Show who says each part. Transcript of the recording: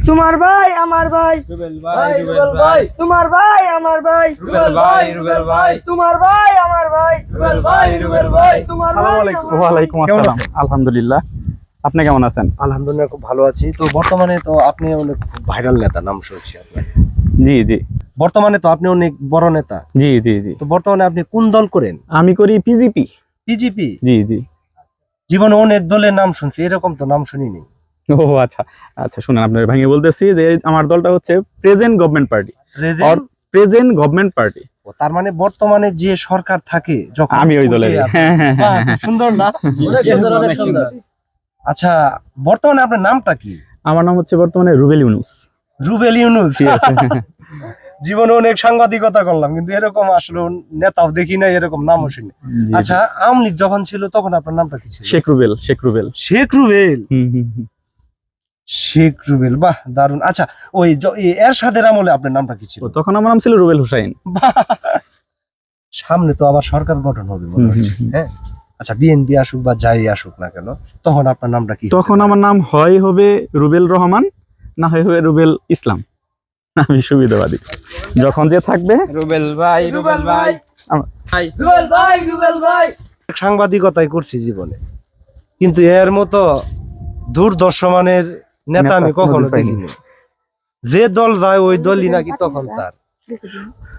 Speaker 1: তোমার ভাই আমার ভাই,
Speaker 2: রুবেল ভাই, রুবেল ভাই,
Speaker 1: তোমার ভাই আমার ভাই,
Speaker 2: রুবেল ভাই, রুবেল ভাই,
Speaker 1: তোমার ভাই আমার ভাই,
Speaker 2: রুবেল ভাই, রুবেল ভাই।
Speaker 1: তোমার
Speaker 3: আসসালামু
Speaker 1: ভাই
Speaker 3: আলাইকুম।
Speaker 1: আমার ভাই।
Speaker 4: ওয়ালাইকুম আসসালাম। আলহামদুলিল্লাহ, আপনি কেমন আছেন?
Speaker 3: আলহামদুলিল্লাহ খুব ভালো আছি। তো বর্তমানে তো আপনি অনেক ভাইরাল নেতা, নাম শুনছি আপনার।
Speaker 4: জি জি
Speaker 3: বর্তমানে তো আপনি অনেক বড় নেতা।
Speaker 4: জি জি জি
Speaker 3: তো বর্তমানে আপনি কোন দল করেন?
Speaker 4: আমি করি পিজিপি।
Speaker 3: বিজেপি?
Speaker 4: জি জি।
Speaker 3: জীবনে অনেক দলের নাম শুনছি, এরকম তো নাম শুনিনি।
Speaker 4: ও আচ্ছা আচ্ছা, শুনেন, আপনার ভাঙিয়ে বলতেছি যে আমার দলটা হচ্ছে present government party.
Speaker 3: Present?
Speaker 4: Present government party.
Speaker 3: তার মানে বর্তমানে যে সরকার থাকে যখন,
Speaker 4: আমি ওই দলের। হ্যাঁ হ্যাঁ
Speaker 3: বাহ,
Speaker 4: হ্যাঁ।
Speaker 3: খুব সুন্দর না?
Speaker 2: অনেক সুন্দর, অনেক সুন্দর।
Speaker 3: আচ্ছা, বর্তমানে আপনার নামটা কি?
Speaker 4: আমার নাম হচ্ছে বর্তমানে রুবেল ইউনুস।
Speaker 3: রুবেল ইউনুস?
Speaker 4: ঠিক আছে।
Speaker 3: জীবনে অনেক সাংবাদিকতা করলাম, কিন্তু এরকম আসলে নেতাও দেখি না, এরকম নামও শুনি।
Speaker 4: জি,
Speaker 3: আচ্ছা, আওয়ামী লীগ যখন ছিল তখন আপনার নামটা কি ছিল?
Speaker 4: শেখ রুবেল, শেখ রুবেল।
Speaker 3: শেখ রুবেল?
Speaker 4: হুম হুম হুম।
Speaker 3: শেখ রুবেল, বাহ দারুন। আচ্ছা, ওই এরশাদের আমলে আপনার নামটা কি ছিল?
Speaker 4: ও, তখন আমার নাম ছিল রুবেল হুসাইন।
Speaker 3: বাহ! সামনে তো আবার সরকার গঠন হবে মনে
Speaker 4: হুম,
Speaker 3: হচ্ছে,
Speaker 4: হুম, হুম।
Speaker 3: হ্যাঁ? আচ্ছা, বিএনপি আসুক বা যাই আসুক না কেন, তখন আপনার নামটা কি?
Speaker 4: তখন আমার নাম হয় হবে রুবেল রহমান, না হয় হবে রুবেল ইসলাম। আমি সুবিধাবাদী, যখন যে থাকবে।
Speaker 2: রুবেল ভাই, রুবেল ভাই, ভাই,
Speaker 1: রুবেল ভাই, রুবেল ভাই।
Speaker 3: সাংবাদিকতাই করছি জীবনে, কিন্তু এর মতো দূরদর্শমানের নেতা আমি
Speaker 4: নেতা
Speaker 3: কখনো
Speaker 4: কোনোদিন পাইনি।
Speaker 3: দেখিনি। যে দল যায় ওই দলই নাকি তখন তার।